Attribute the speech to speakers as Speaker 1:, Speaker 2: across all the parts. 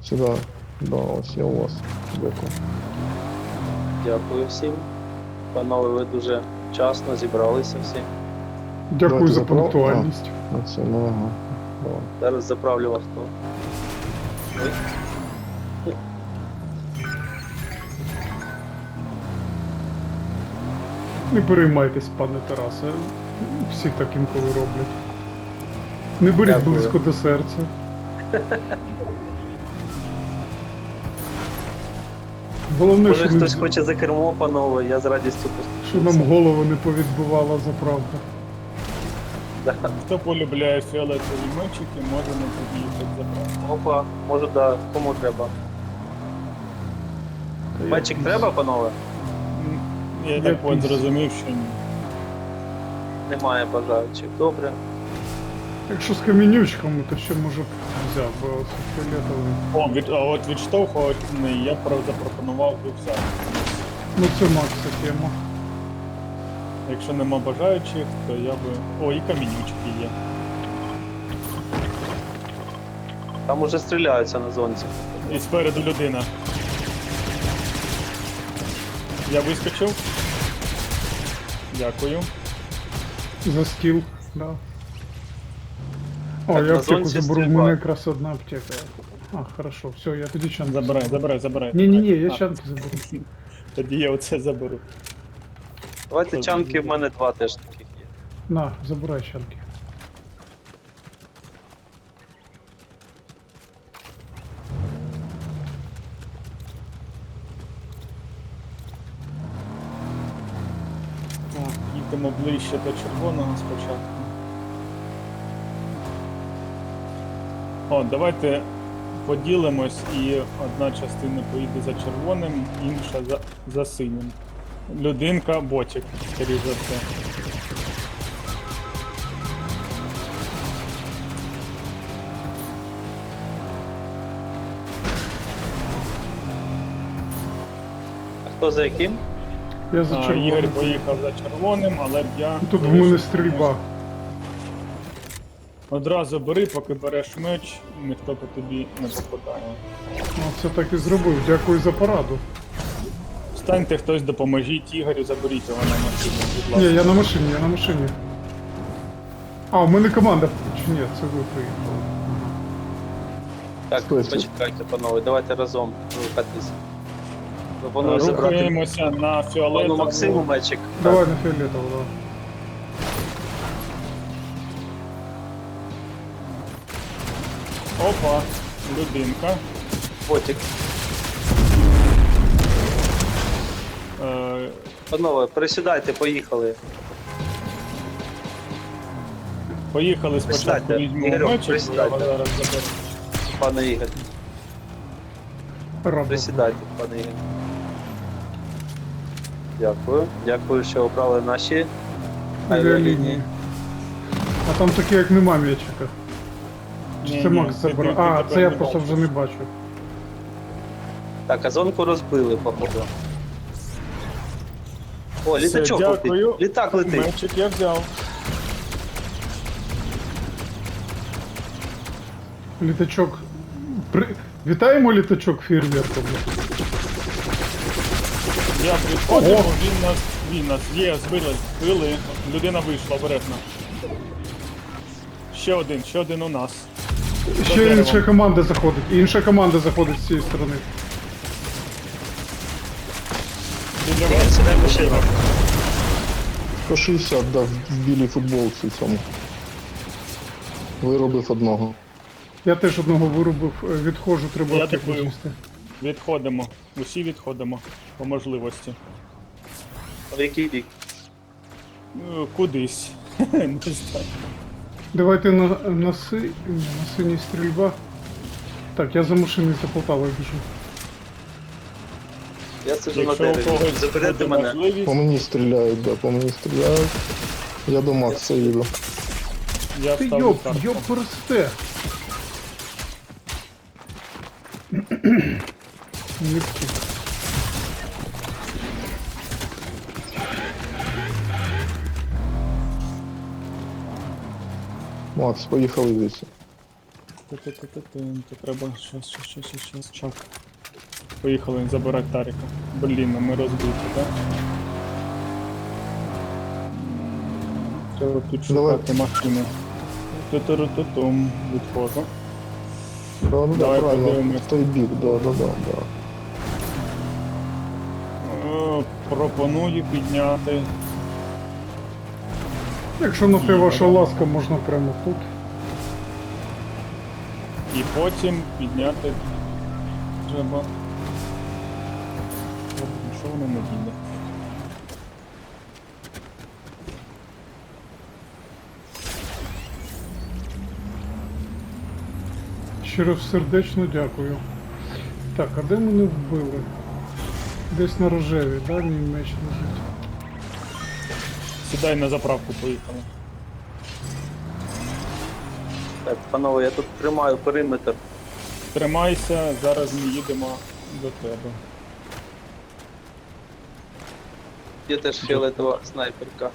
Speaker 1: Сюди. Да, ось я у вас. Дякую.
Speaker 2: Дякую всім. Панове, ви дуже вчасно зібралися всі.
Speaker 3: Дякую
Speaker 1: Давайте
Speaker 3: за
Speaker 1: заправ-
Speaker 3: пунктуальність.
Speaker 1: Оце, ну ага. Давай.
Speaker 2: Зараз заправлю авто. Ой.
Speaker 3: Не переймайтесь, пане Тарасе. Всі так інколи роблять. Не беріть
Speaker 2: Дякую.
Speaker 3: близько до серця. Головне,
Speaker 2: Може
Speaker 3: що,
Speaker 2: хтось хоче за кермо, панове, я з радістю
Speaker 3: що нам голову не повідбивала заправка.
Speaker 4: Хто полюбляє фіолетові мечики, може не під'їхати забрати.
Speaker 2: Опа, може да, кому треба. Мечик треба, панове?
Speaker 4: Я так от
Speaker 3: піс.
Speaker 4: зрозумів, що ні.
Speaker 2: Немає бажаючих. Добре.
Speaker 3: Якщо з камінючками, то ще може б взяв, бо це фіолетовий.
Speaker 4: А от відштовхувальний я запропонував би взяти.
Speaker 3: Ну це Макса тема.
Speaker 4: Якщо нема бажаючих, то я би... О, і камінючки є.
Speaker 2: Там уже стріляються на зонці.
Speaker 4: І спереду людина. Я вискочив. Дякую.
Speaker 3: За стіл, да. О,
Speaker 2: Так,
Speaker 3: я
Speaker 2: на
Speaker 3: аптеку
Speaker 2: зонці
Speaker 3: заберу, в
Speaker 2: стрільба.
Speaker 3: мене якраз одна аптека. А, хорошо, все, я тоді чанки
Speaker 4: Забирай.
Speaker 3: Ні-ні-ні, я
Speaker 4: А,
Speaker 3: чанки заберу.
Speaker 4: Тоді я оце заберу.
Speaker 2: Давайте чанки, в мене два теж таких є.
Speaker 3: На, забирай чанки.
Speaker 4: Так, їдемо ближче до червоного спочатку. О, давайте поділимось і одна частина поїде за червоним, інша за синім. Людинка, ботик, скоріше за все.
Speaker 2: А хто за яким?
Speaker 3: Я за
Speaker 4: Ігор
Speaker 3: червоним.
Speaker 4: поїхав за червоним, але б я...
Speaker 3: Тут в мене стрільба.
Speaker 4: Одразу бери, поки береш меч, ніхто по тобі не попадає.
Speaker 3: Ну, це так і зробив. Дякую за пораду.
Speaker 4: Встаньте хтось, допоможіть Ігорю, заберіть його на машину, будь
Speaker 3: Ні,
Speaker 4: ласка.
Speaker 3: я на машині, я на машині. А, у мене команда. Чи ні, це ви приїхали.
Speaker 2: Так,
Speaker 1: Стойте.
Speaker 2: почекайте, панове, давайте разом рухатись. Пропоную забрати
Speaker 4: Рухаємося на
Speaker 2: пану
Speaker 4: фіолетову.
Speaker 2: Максиму мечик.
Speaker 3: Давай на фіолетово, давай.
Speaker 4: Опа, людинка.
Speaker 2: Ботик.
Speaker 4: Е,
Speaker 2: Панове, присідайте, поїхали.
Speaker 4: Поїхали спочатку,
Speaker 2: Присідайте.
Speaker 4: візьмемо
Speaker 2: Ігорю,
Speaker 4: мечик, я
Speaker 2: присідайте.
Speaker 4: його зараз заберу.
Speaker 2: Пане Ігор,
Speaker 3: Рада.
Speaker 2: присідайте, пане Ігор. Дякую. Дякую, що обрали наші авіалінії.
Speaker 3: А там таке, як нема м'ячика. Чи
Speaker 4: Ні,
Speaker 3: це
Speaker 4: ні,
Speaker 3: Макс
Speaker 4: ти-
Speaker 3: забрав?
Speaker 4: ти
Speaker 3: А,
Speaker 4: тепер
Speaker 3: це я
Speaker 4: не
Speaker 3: просто
Speaker 4: бачиш.
Speaker 3: вже не бачу.
Speaker 2: Так, а зонку розбили, походу. О,
Speaker 4: Все,
Speaker 2: літачок
Speaker 4: дякую.
Speaker 2: летить. Літак летить.
Speaker 4: Мечик я взяв.
Speaker 3: Літачок. Вітаємо літачок фейерверком.
Speaker 4: Я підходив, він нас є, збили. Людина вийшла обережно. Ще один у нас. За
Speaker 3: Ще
Speaker 4: деревом.
Speaker 3: інша команда заходить. І інша команда заходить з цієї сторони.
Speaker 4: Біля
Speaker 2: Ігор,
Speaker 4: вас.
Speaker 2: сідай в машину.
Speaker 1: 160 дав в білій футболці цьому. Виробив одного.
Speaker 3: Я теж одного вирубив, відходжу, треба
Speaker 4: Я
Speaker 3: аптеку
Speaker 4: такою.
Speaker 3: з'їсти.
Speaker 4: Відходимо. Усі відходимо по можливості.
Speaker 2: В який бік?
Speaker 4: Кудись. Не знаю.
Speaker 3: Давайте на синій стрільба. Так, я за машиною за Полтавою біжу.
Speaker 2: Я сиджу на
Speaker 4: Якщо у
Speaker 2: дереві.
Speaker 4: когось
Speaker 2: Заберете
Speaker 4: буде
Speaker 2: мене.
Speaker 4: можливість,
Speaker 1: По мені стріляють, да, по мені стріляють. Я до Макса їду.
Speaker 4: я
Speaker 3: Ти
Speaker 4: ставлю карту.
Speaker 3: йоп персте. Не втік.
Speaker 1: Макс, поїхали вісім.
Speaker 4: То треба щас. Чак. Поїхали забирати Таріка. Блін, ну ми розбиті, так? Треба тут шукати машину. Ту-ту-ру-ту-тум. Відходжу.
Speaker 1: Да,
Speaker 4: Давай
Speaker 1: правильно,
Speaker 4: подивимось.
Speaker 1: в той бік, да.
Speaker 4: Пропоную підняти.
Speaker 3: Якщо на те ваша ласка, можна прямо тут.
Speaker 4: І потім підняти треба. Що воно не їде?
Speaker 3: Щиро сердечно дякую. Так, а де мене вбили? Десь на рожеві, да, мій меч лежить.
Speaker 4: Сідай на заправку, поїхали.
Speaker 2: Так, панове, я тут тримаю периметр.
Speaker 4: Тримайся, зараз ми їдемо до тебе.
Speaker 2: Є теж фіолетова снайперка.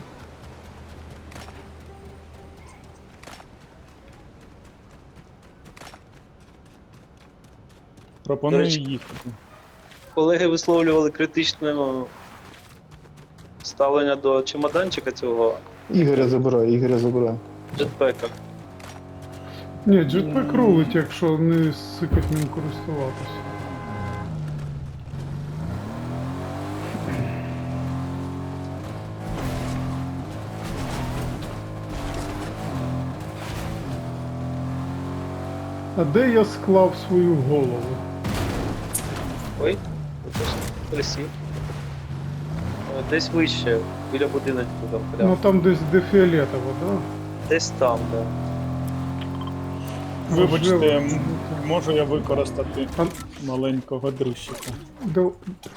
Speaker 4: Пропоную
Speaker 2: До речі,
Speaker 4: їхати.
Speaker 2: Колеги висловлювали критичне ставлення до чемоданчика цього
Speaker 1: Ігоря забирай.
Speaker 2: джетпека.
Speaker 3: Ні, джетпек рулить, якщо не сикать ним користуватися. А де я склав свою голову?
Speaker 2: Ой, присів. Десь вище, біля будиночку там прямо.
Speaker 3: Ну там десь де фіолетово, да?
Speaker 2: Десь там, да.
Speaker 4: Вибачте,
Speaker 3: Можливо.
Speaker 4: можу я використати
Speaker 3: А,
Speaker 4: маленького дрищика.
Speaker 3: до...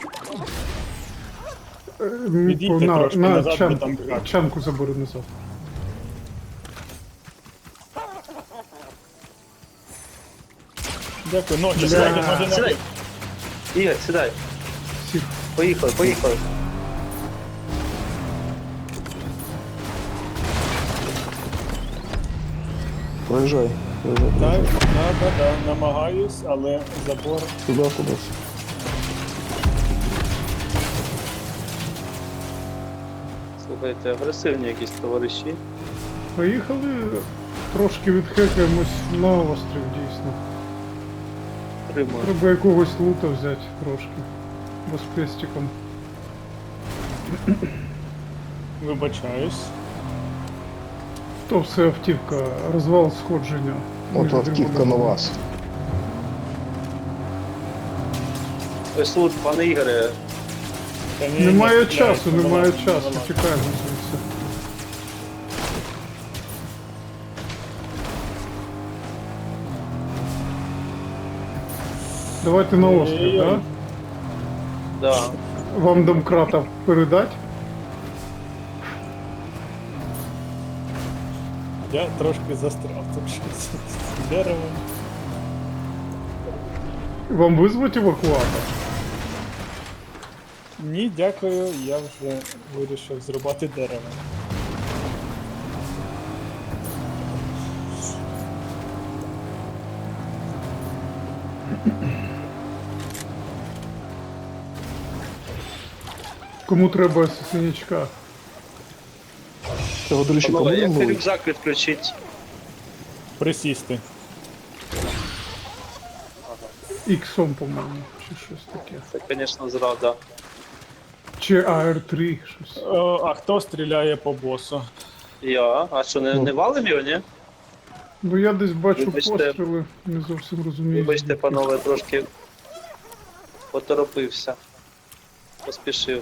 Speaker 4: Відійдьте трошки назад, бо
Speaker 3: чанку,
Speaker 4: там крак.
Speaker 3: чанку забери назад.
Speaker 4: Дякую, ноги,
Speaker 3: Бля.
Speaker 4: ноги.
Speaker 2: Сідай! Ігор, сідай!
Speaker 3: Сів.
Speaker 2: Поїхали!
Speaker 1: Проїжджай.
Speaker 4: Так, намагаюсь, але забор.
Speaker 1: Туди кудись.
Speaker 2: Слухайте, агресивні якісь товариші.
Speaker 3: Поїхали, трошки відхекаємось на острів, дійсно.
Speaker 2: Тримаю.
Speaker 3: Треба якогось лута взяти трошки. Розпестиком.
Speaker 4: Вибачаюсь.
Speaker 3: То все автівка, розвал сходження.
Speaker 1: От
Speaker 3: Між
Speaker 1: автівка на
Speaker 3: дрібними.
Speaker 1: вас.
Speaker 2: Ось тут, пане Ігоре,
Speaker 4: Та ні,
Speaker 3: Немає
Speaker 4: не
Speaker 3: часу,
Speaker 4: стріляйте,
Speaker 3: немає
Speaker 4: вилазь,
Speaker 3: часу,
Speaker 4: вилазь.
Speaker 3: тікаємо звідси. Давайте на острів,
Speaker 4: Ой-ой-ой.
Speaker 3: да?
Speaker 2: да.
Speaker 3: Вам домкрата передать?
Speaker 4: Я трошки застряв тут щось з деревом.
Speaker 3: Вам визвати евакуатор?
Speaker 4: Ні, дякую, я вже вирішив зрубати дерево.
Speaker 3: Кому треба синячка?
Speaker 1: Цього дрищика
Speaker 2: Панове, як
Speaker 1: будемо
Speaker 2: ти
Speaker 1: ловити?
Speaker 2: рюкзак відключить?
Speaker 4: Присісти.
Speaker 3: Іксом, по-моєму, чи щось таке.
Speaker 2: Це, звісно, зрада.
Speaker 3: Чи АР-3, щось.
Speaker 4: А хто стріляє по босу?
Speaker 2: Я? А що, не валим його, ні?
Speaker 3: Ну я десь бачу
Speaker 2: Вибачте.
Speaker 3: постріли, не зовсім розумію.
Speaker 2: Вибачте,
Speaker 3: звідки.
Speaker 2: панове, трошки поторопився. Поспішив.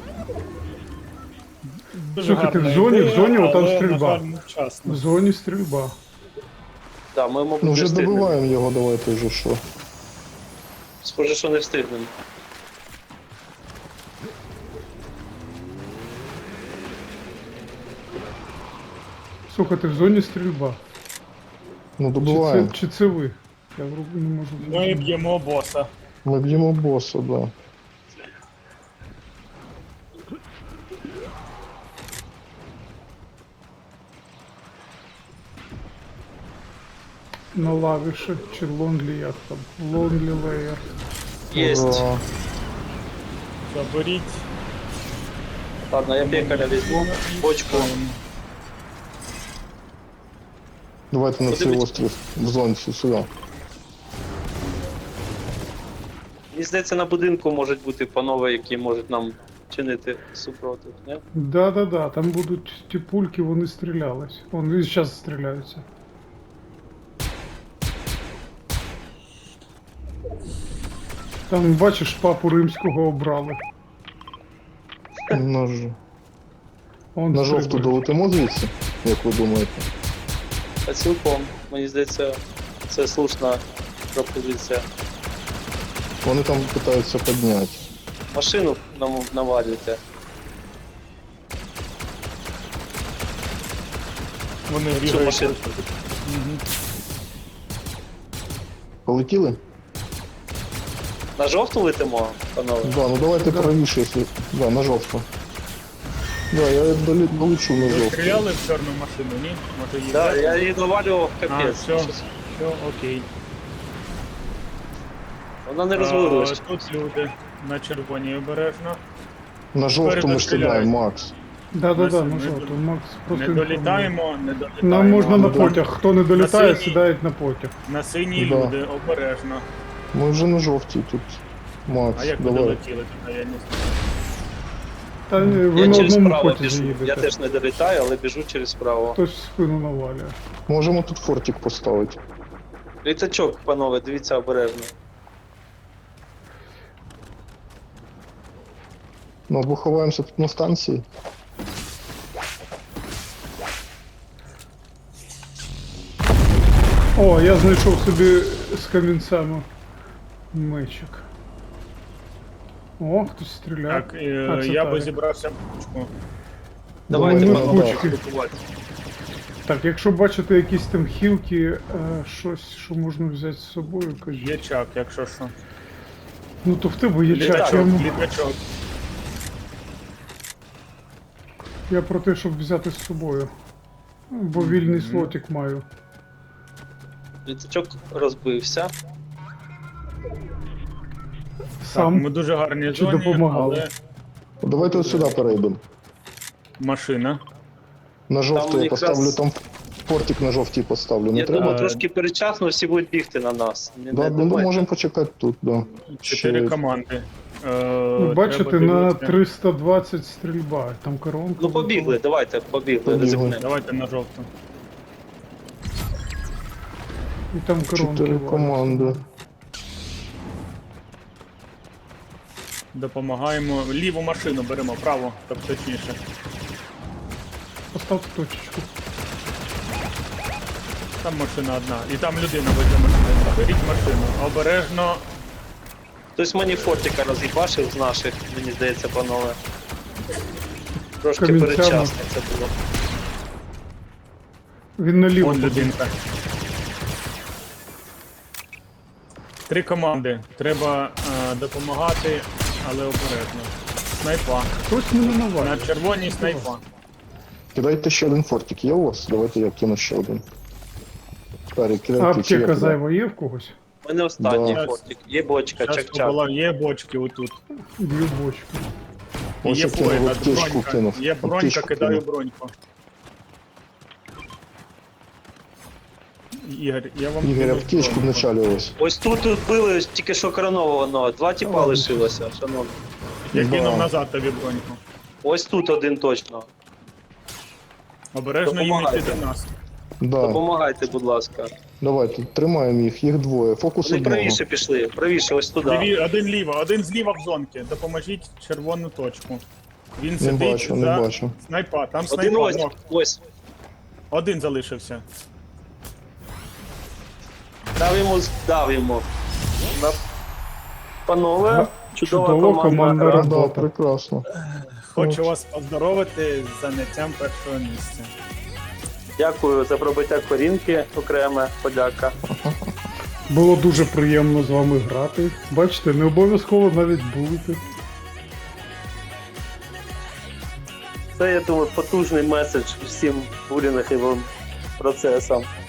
Speaker 4: Дуже
Speaker 3: Слухайте,
Speaker 4: гарна
Speaker 3: в зоні-
Speaker 4: ідея,
Speaker 3: в зоні отам
Speaker 4: але,
Speaker 3: стрільба.
Speaker 4: на жаль, невчасно.
Speaker 3: В зоні стрільба.
Speaker 2: Так, ми, мабуть,
Speaker 1: Ну
Speaker 2: не
Speaker 1: вже
Speaker 2: встигнемо.
Speaker 1: добиваємо його, давайте вже що.
Speaker 2: Схоже, що не встигнемо.
Speaker 3: Слухайте, в зоні стрільба.
Speaker 1: Ну
Speaker 3: Чи
Speaker 1: добиваємо.
Speaker 3: це, чи це ви? Я вроді не можу
Speaker 4: Ми
Speaker 3: зрозуміти.
Speaker 4: б'ємо боса.
Speaker 1: Ми б'ємо боса, да.
Speaker 3: на лавіші, чи лонлі як там. Лонлі леєр.
Speaker 2: Єсть.
Speaker 1: Ура.
Speaker 4: Заберіть.
Speaker 2: Ладно, я пекаря візьму. Бочку.
Speaker 1: Давайте на цей
Speaker 2: Подивіться.
Speaker 1: острів в зонці сюди.
Speaker 2: Мені здається, на будинку можуть бути панове, які можуть нам чинити супротив, не?
Speaker 3: Да-да-да, там будуть ті пульки, вони стрілялись. Вони і зараз стріляються. Там, бачиш, папу римського обрали. Он
Speaker 1: На жовту
Speaker 3: стрибає.
Speaker 1: долетимо звідси, як ви думаєте?
Speaker 2: А цілком, мені здається, це слушна пропозиція.
Speaker 1: Вони там питаються підняти.
Speaker 2: Машину нам навалюйте.
Speaker 4: Вони
Speaker 2: Цю
Speaker 4: бігають.
Speaker 2: машину.
Speaker 1: Полетіли?
Speaker 2: На жовту летимо, панове?
Speaker 1: Да, ну давайте правіше, якщо... Да, на жовту. Да, я долечу на
Speaker 4: Ви
Speaker 1: жовту.
Speaker 4: стріляли в чорну машину, ні? Може її
Speaker 2: Так,
Speaker 4: взяти?
Speaker 2: я її навалював
Speaker 4: А,
Speaker 2: капець.
Speaker 4: все,
Speaker 2: Щось-
Speaker 4: все, окей.
Speaker 2: Вона не розвалилась.
Speaker 4: Тут люди на червоній обережно.
Speaker 1: На жовту ми
Speaker 4: Стріляють.
Speaker 1: стріляємо, Макс.
Speaker 3: Да-да-да,
Speaker 4: Ми
Speaker 3: на жовту. Макс просто
Speaker 4: Не
Speaker 3: інформує.
Speaker 4: долітаємо, не долітаємо.
Speaker 3: Нам можна на
Speaker 1: Да.
Speaker 3: потяг. Хто не долітає,
Speaker 4: синій.
Speaker 3: сідають на потяг.
Speaker 4: На синій
Speaker 1: Да.
Speaker 4: люди, обережно.
Speaker 1: Ми вже на жовтій тут. Макс,
Speaker 4: А як ви
Speaker 1: давай.
Speaker 4: долетіли туди, я не знаю.
Speaker 3: Та ні, ви
Speaker 2: Я
Speaker 3: на
Speaker 2: через
Speaker 3: одному
Speaker 2: право
Speaker 3: потязі
Speaker 2: біжу. Я
Speaker 3: їдете.
Speaker 2: теж не долітаю, але біжу через право.
Speaker 3: Хтось в спину навалює.
Speaker 1: Можемо тут фортик поставити.
Speaker 2: Літачок, панове, дивіться обережно.
Speaker 1: Ну або ховаємося тут на станції.
Speaker 3: О, я знайшов собі з камінцями мечик. О, хтось стріляє.
Speaker 4: Так,
Speaker 3: А, це
Speaker 4: я би
Speaker 3: Тарик.
Speaker 4: зібрався в кучку.
Speaker 2: Давайте,
Speaker 3: ми
Speaker 2: панове,
Speaker 3: кучки.
Speaker 2: атакувати.
Speaker 3: Так, якщо бачите якісь там хілки, щось, що можна взяти з собою, кажіть.
Speaker 4: Є чак, якщо що.
Speaker 3: Ну то в тебе є
Speaker 2: Літачок.
Speaker 3: чак,
Speaker 4: Літачок.
Speaker 3: я про те, щоб взяти з собою. Бо вільний слотик маю.
Speaker 2: Літачок розбився.
Speaker 4: Так, ми
Speaker 3: Сам.
Speaker 4: дуже гарні
Speaker 3: Чи
Speaker 4: зоні,
Speaker 3: допомагали?
Speaker 4: але
Speaker 1: Давайте от сюди перейдемо.
Speaker 4: машина.
Speaker 1: На жовту я
Speaker 2: якраз-
Speaker 1: поставлю, там фортик на жовтій поставлю. Не
Speaker 2: Я
Speaker 1: треба?
Speaker 2: думаю, трошки передчасно всі будуть бігти на нас.
Speaker 1: Да, ну, можемо почекати тут, да.
Speaker 4: 4
Speaker 1: Ще-
Speaker 4: команди.
Speaker 3: Ну, бачите,
Speaker 4: треба
Speaker 3: на
Speaker 4: дивитися.
Speaker 3: 320 стрільба, там коронка.
Speaker 2: Ну побігли, давайте, побігли,
Speaker 1: Побігли.
Speaker 2: ризикнемо.
Speaker 4: Давайте на жовту.
Speaker 3: І там коронки.
Speaker 1: 4
Speaker 3: валять.
Speaker 1: команди.
Speaker 4: Допомагаємо. Ліву машину беремо, праву, тобто точніше.
Speaker 3: Поставте точечку.
Speaker 4: Там машина одна. І там людина веде машину. Беріть машину. Обережно.
Speaker 2: Хтось мені фортика роз'їбашив з наших, мені здається, панове. Трошки
Speaker 3: Камінцями.
Speaker 2: передчасно це було.
Speaker 3: Він наліво
Speaker 4: Вон
Speaker 3: побіг.
Speaker 4: людинка. 3 команди. Треба допомагати, але обережно. Снайпа.
Speaker 3: Хтось мене
Speaker 4: На
Speaker 3: навалює.
Speaker 4: червоній снайпа.
Speaker 1: Кидайте ще один фортик. Є у вас? Давайте я кину ще один. Тарі,
Speaker 3: А
Speaker 1: кидайте чи я
Speaker 3: аптека
Speaker 1: кидаю?
Speaker 3: зайва є в когось?
Speaker 2: У мене останній
Speaker 1: Да.
Speaker 2: фортик. Є бочка,
Speaker 4: Зараз
Speaker 2: чак-чак.
Speaker 4: була, є бочки отут.
Speaker 3: Б'ю бочку.
Speaker 4: І
Speaker 1: Ось
Speaker 4: є
Speaker 1: я кинув
Speaker 4: фойна,
Speaker 1: аптечку,
Speaker 4: бронька.
Speaker 1: кинув.
Speaker 4: Є бронька,
Speaker 1: Аптечку
Speaker 4: кидаю
Speaker 1: кинув.
Speaker 4: броньку. Ігор, я вам
Speaker 1: Ігор,
Speaker 4: кину
Speaker 1: аптечку
Speaker 4: броньку.
Speaker 1: вначалі ось.
Speaker 2: Ось тут били тільки що коронованого. 2 тіпа лишилося, шановні.
Speaker 4: Я
Speaker 1: Да.
Speaker 4: кинув назад тобі броньку.
Speaker 2: Ось тут один точно.
Speaker 4: Обережно їм
Speaker 2: Допомагайте.
Speaker 4: йти до нас.
Speaker 1: Да.
Speaker 2: Допомагайте, будь ласка.
Speaker 1: Давайте, тримаємо їх двоє. Фокус
Speaker 2: Вони
Speaker 1: одного.
Speaker 2: правіше пішли, правіше, ось туди.
Speaker 4: Один ліво, один зліва в зонки. Допоможіть червону точку. Він
Speaker 1: Не
Speaker 4: сидить
Speaker 1: бачу,
Speaker 4: за
Speaker 1: не бачу.
Speaker 4: снайпа. Там
Speaker 2: Один
Speaker 4: снайпа.
Speaker 2: ось,
Speaker 4: ног.
Speaker 2: ось.
Speaker 4: Один залишився.
Speaker 2: Дав йому. Панове, чудова
Speaker 3: Чудово, команда
Speaker 2: гра.
Speaker 1: Да,
Speaker 3: робота.
Speaker 1: прекрасно.
Speaker 4: Хочу вас поздоровити з заняттям першого місця.
Speaker 2: Дякую за пробиття корінки, окреме подяка.
Speaker 3: Було дуже приємно з вами грати. Бачите, не обов'язково навіть бути.
Speaker 2: Це, я думаю, потужний меседж всім булінговим процесам.